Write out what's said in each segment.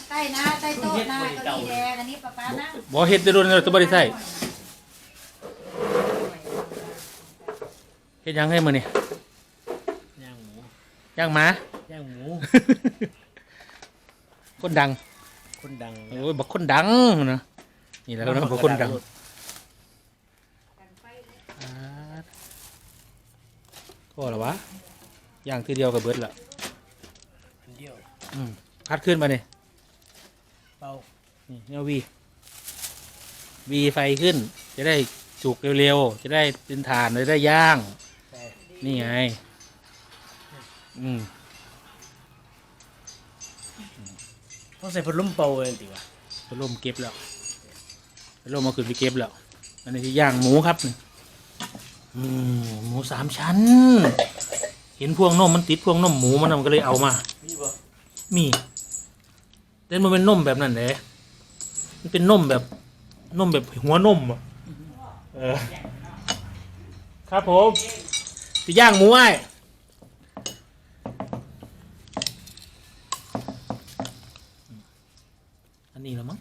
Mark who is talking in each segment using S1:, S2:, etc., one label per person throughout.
S1: ใต้นะใต้โต๊ะนะเก้าอี้แดงอันนี้ป้านะ
S2: บ่เฮ็ดได้โดนแล้วตัวบ่ได้ใส่เฮ็ดยังให้มื้อนี่
S3: ย่างหมู
S2: ย่างหมา
S3: ย่างหมู
S2: คนดัง
S3: คนดัง
S2: โอ้ยบักคนดังนะนี่แหละครับบักคนดังก็แล้ววะย่างทีเดียวกับเบิดละ
S3: อันเดียว
S2: พัดขึ้นมาเนี่ย
S3: เป่า
S2: นี่เนี่ยวีไฟขึ้น จะได้สุกเร็วๆจะได้เป็นถ่านจะได้ย่าง
S3: ใส่
S2: นี่ไง
S3: ต้องใส่พัดลมเป่าเลยติวะ
S2: พัดลมเก็บแล้วพัดลมมาขึ้นไปเก็บแล้วอันนี้ที่ย่างหมูครับนี่หมู3 ชั้น เห็นพวงนมมันติดพวงนมหมูมันก็เลยเอามา
S3: มีบ่
S2: มีแต่มันเป็นนมแบบนั้นเลยมันเป็นนมแบบหัวนมอ่ะครับผมจะย่างหมูไอ้อันนี้แล้วมั้ง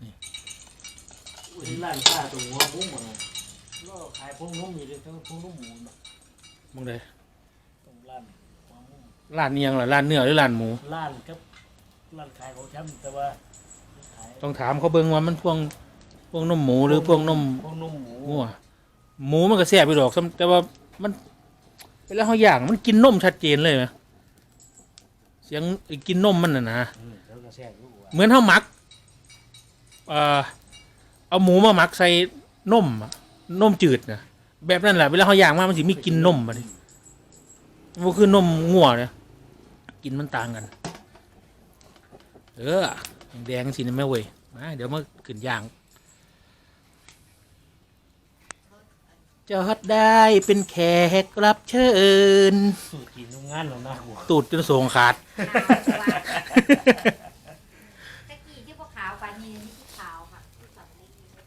S2: นี่
S3: ร้านค้าตรงหัวมุ้งหมดเลยก็ขายพวงนุ่มอยู่เลยทั้งพวงนุ่มหมู
S2: มึงเลย
S3: ตรงร้านหัวมุ้ง
S2: ร้านเนียงเหรอร้านเนื้อหรือร้านหมู
S3: ร้านครับร้านขายของช้ำแต่ว่าขาย
S2: ต้องถามเขาเบิ่งว่ามันพวงนมหมูหรือพวงนม
S3: พวงนุ่มหมู
S2: งัวหมูมันก็แซ่บไปดอกแต่ว่ามันเวลาเขาย่างมันกินนมชัดเจนเลยนะเสียงกินนมมันน่ะนะ
S3: แล้วก็แซ่บอยู่ว่ะ
S2: เหมือนเขาหมักเอาหมูมาหมักใส่นมอะนมจืดนะแบบนั้นแหละเวลาเขาย่างมามันสิมีกลินนมมาดิมันคือนมงัวเนี่ยกินมันต่างกันแดงสินะแม่เว้ยมาเดี๋ยวมาขึ้นย่างจอดได้เป็นแขกรับเชิญ
S3: สูตรกินโรงงานของหน้าหัว
S2: ตูดจนโสงขาด
S1: ตะกี้ที่พวกขาวปานีนี่ที่ขาวค่ะที่สองนี่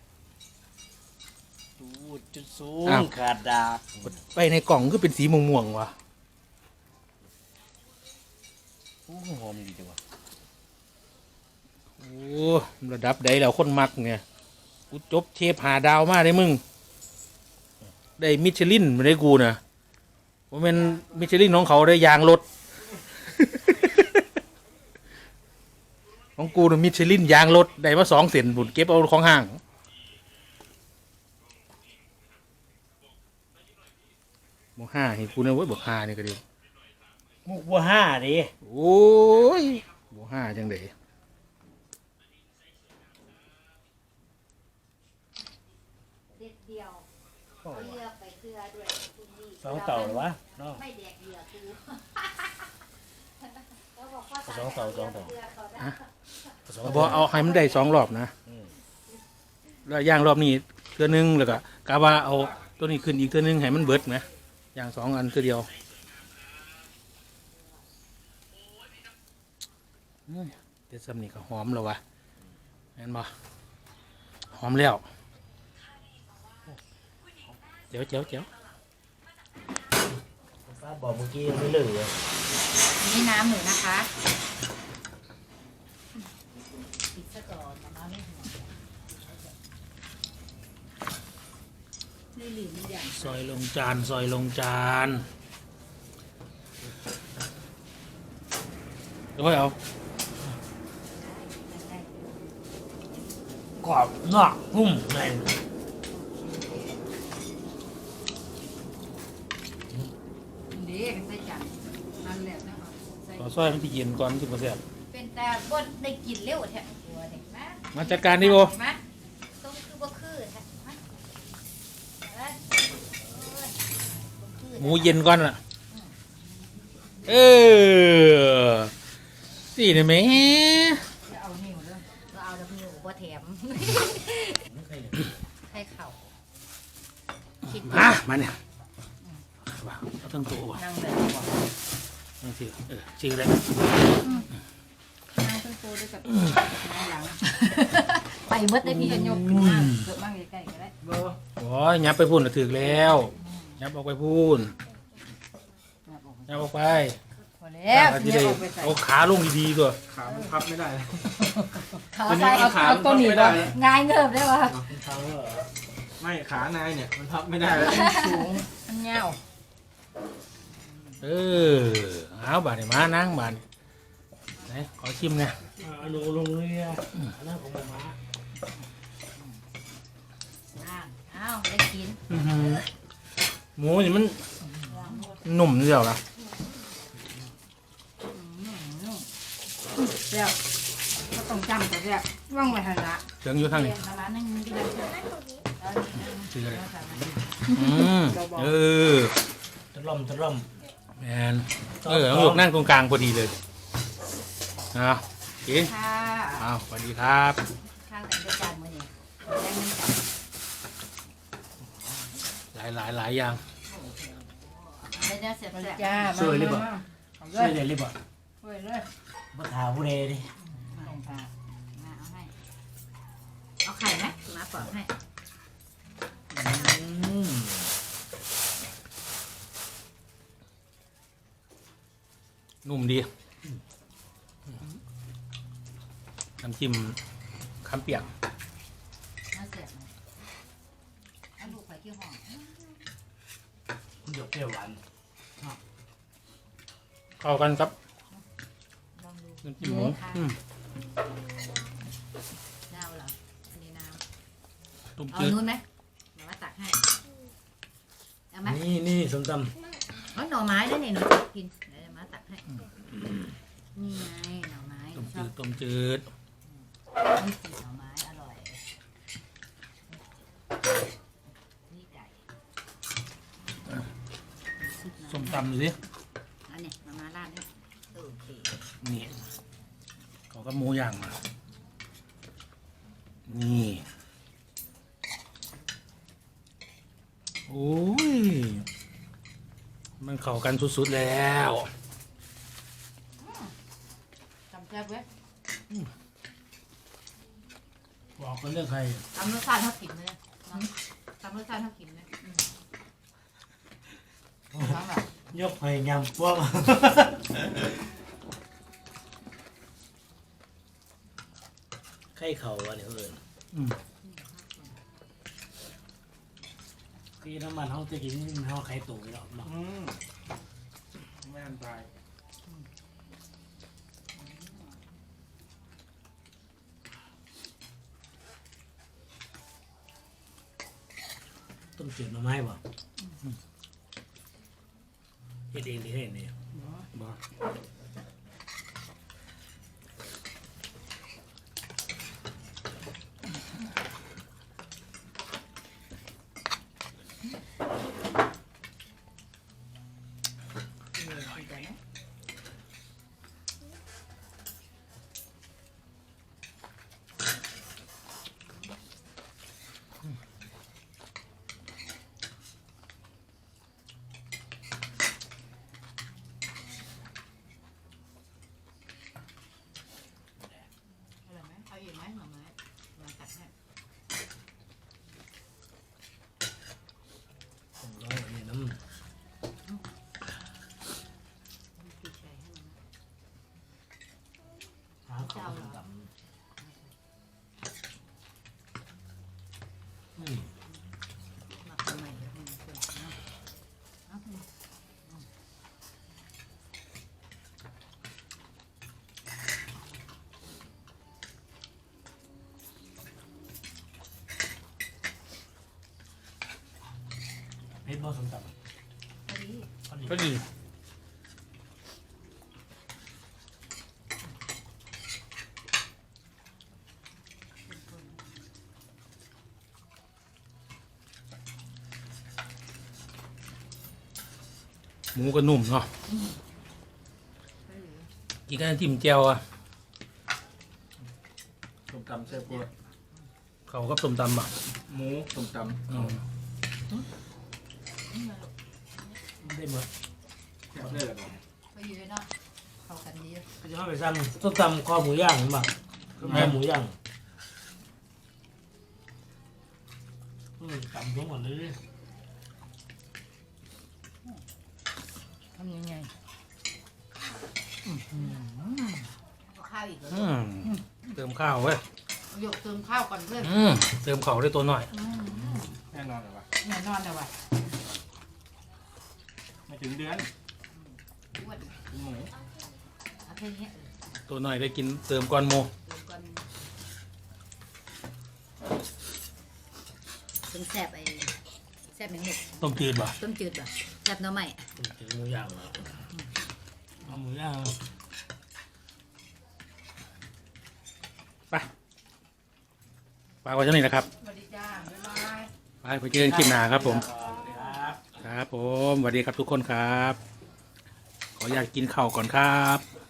S3: สูตรจุดสูงขาดดาบ
S2: ไปในกล่องก็เป็นสีม่วงๆวะ
S3: โอ้หอมดีจังวะ
S2: โอ้ระดับใดแล้วคนมักเนี่ยกูจบเชฟหาดาวมาได้มึงได้มิชลินมาได้กูนะว่าเป็นมิชลินของเขาได้ยางรถ ของกูน่ะมิชลินยางรถได้มา2 เซนบุญเก็บเอาของห้างบอก5เห็นกูนะเว้ยบอก5นี่ก็ดี
S3: มุกบัวห้าดิ
S2: โอ้ยบอก5จังเด๋
S1: เด็ดเดียวเอาเลือกไปเกลือด้วยคุณดี
S3: สองเต่าหรอวะเนาะ
S1: ไม่แดกเหยื่อกูแล้วบอกว่า
S3: สองเต่า
S2: บอกเอาให้มันได้2 รอบนะแล้วย่างรอบนี้เทื่อนึงแล้วก็กะว่าเอาตัวนี้ขึ้นอีกเทื่อนึงให้มันเบิดไหมอย่าง2 อันคือเดียวเดี๋ยวซ้ำนี่ก็หอมแล้ววะเห็นบ่หอมแล้วเจ๋ว
S3: ฟ้าบอกเมื่อกี้ไม่เหลือ
S1: นี่น้ำหมูนะคะปิดซะก่อนน้ำไม่หัวไม่หลีไม่อย่าง
S2: ซอยลงจานเดี๋ยวค่อยเอา
S3: กรอบนอกนุ่มใน
S1: ดีใส่จานนั่นแหละนะคะใส่
S2: ขอซอยมันที่เย็นก่อนที่มาแซ่บ
S1: เป็นแต่บดได้กินเร็วแท้ตัวเด็กนะ
S2: มาจัดการดิโบ
S1: มาต้องคือบ่คือแท้มา
S2: หมูเย็นก่อนล่ะสี่เนี่ยแม่
S1: จะเอานิ้วเด้อเราเอาดับนิ้วบ่แถมให้เข่าคิด
S2: มาเนี่ยเอาทั้งตัวว่ะ
S1: นั่งเลย
S2: นั่งสิชื่ออะไร
S1: นั่งเป็นโตด้วยกับนั่งหลังไปเบิดได้พี่กันยกขึ้นมาเกิดมาใกล้ๆก็ได้
S2: โอ้ยยับไปพูนถึกแล้วยับออกไปพูนยับออกไป
S1: พอแล้แล้ว
S2: จะ
S1: ที
S2: ได้
S1: นี้ออกไปใส่
S2: เอาขาลงดีๆตัว
S3: ขามันพับไม่ได้
S1: ขาใส่
S3: เอาขา
S1: เอาตัวหนี
S3: ไม่ได้
S1: บ่ง่ายเงิบได้ป่ะ
S3: ขาไม่ขานายเนี่ยมันพับไม่ได้แล้ว
S1: สูงมันเงา
S2: เออเอาบาดนี่มานั่งบาดนี่ไหนขอชิมเนี่ย
S3: ลงเลยอ่ะนั่นของมา
S1: อ้าวได้กิน
S2: อื้อหือหมูนี่มันหนุ่มเดียวละ
S1: เดี๋ยวก็ต้องจำตัวเดี๋ยวว่างไว้ทันละ
S2: เสียงอยู่ทางนี้
S1: ร้านนึงมีกี่ร้าน
S2: ชื่ออะไรเออ
S3: ตะล่อม
S2: แมนน้องหยกนั่งตรงกลางพอดีเลยนะกิน
S1: ค่ะ
S2: อ้าวสวัสดีครับ
S1: ข้างแต่งด้วยจานมือเนี่ยแดงมันจับ
S2: หลายอย่าง
S1: ได้เนี่ยเสียบจ้า
S3: ช่วยเลยบ่
S1: เล
S3: ช่วย
S1: ย
S3: เลยรีบบ่
S1: ช่วยเลย
S3: มาถามผู้ใดดิ
S1: ลงปลามาเอาให้เอาไข่ไหมมาปอกให้
S2: นุ่มดีน้ำจิ้มคำเปียก
S1: มาเสียบเลยเอาลูกไข่เกี่ยวหอม
S3: หยกเปรี้ยวหวาน
S2: เข้ากันครับ
S1: ลองดู
S2: น้ำจิ้มหมูอืม
S1: น้ำเหรออันนี้น้ำ
S2: ต้ม
S1: เอา
S2: จืด
S1: นู้นไหมเดี๋ยวมาตักให้เอาไหม
S3: นี่ส้มต
S1: เอาหน่อไม้ด้วยนี่หนูจะกินเดี๋ยวจะมาตักให้นี่ไงหน่อไม้
S2: ต้ม
S1: ช
S2: จื
S1: อบ
S2: ดต้มจืด
S1: ต้มจืดหน่อไม้อร่อยนี่ไก่
S2: ส้มตำดูสิ
S1: อันนี้มาราดนี่โอเค
S2: นี่เขาก็หมูย่างมา นี่โอ้ยมันเข้ากันสุดๆแล้ว
S1: จำแซ่บเว้ย
S3: ำบอกกันเรื่องใคร
S1: ตำรสชาติเท่ากินเลยตำรสชาติเท่ากินเลยทั้งแบบ
S3: ยกให้ยำพวกไข่เข่าอันนี้เอิญ
S2: อืม
S3: พี่น้ำมันเขาจะกินเขาไข่ตุ๋นหรอกไม่อันตรายต้มจืดหน่อไม้บ่เฮ็ดเองที่เฮ็ดนี่
S2: บ้า
S1: อร่อยไหมเอาอีกไหมหน่อไม้มาตักให้
S3: ร้อยนี่น้
S1: พี่ชัยให้มัน
S3: ำหาข้าวต้มตำอืม
S1: หมักทำไมเดี๋ยวให้มันเปื่อยเอา
S3: เฮ็ดบ่ส้มตำ
S1: พอดี
S3: พอดี
S2: ก็ดีหมูก็นุ่มเนาะ
S1: พอดี
S2: กินกันจิ้มแจ่วอ่ะ
S3: ส้มตำแซ่บกว่า
S2: เขากับส้มตำอ่ะ
S3: หมูส้มต
S2: อืม
S3: ำได้หมดแซ่บเลยเหรอ
S1: พอดีเลยเนาะเข้ากันดี
S3: ก็จะเข้าไปซ้ำส้มตำคอหมูย่างเห็นป่ะคอหมูย่างตำทั้งหมดเลย
S1: ทำยังไงข้าวอีกเหรอ
S2: เติมข้าวเว้ย
S1: หยกเติมข้าวก่อนเพื่อน
S2: เติมข้าวได้ตัวหน่อย
S3: แน่นอนเลยวะ
S1: แน่นอนเลยว่ะ
S3: ไม่ถึงเดือน
S1: อ้วน
S3: กินหมู
S1: เอาแค่นี้
S2: ตัวหน่อยได้กินเติมก่อนโม
S1: เติมก่อนเป็นแซ่บไอ้แซ่บหนึ่งหนึ่ง
S2: ต้มจืดป่ะ
S1: ต้มจืดป่ะแซ่บหน้ำใหม่
S3: ถึงหมูย่างแล้วเอาหมูย่าง
S2: ไปฝากไว้เท่านี้นะครับ
S1: สวัสดีจ้าบ๊ายบาย
S2: ไปเจอกันคลิปหน้าครับผม
S3: ครับ
S2: ครับผมสวัสดีครับทุกคนครับ ขออยากกินข้าวก่อนครับ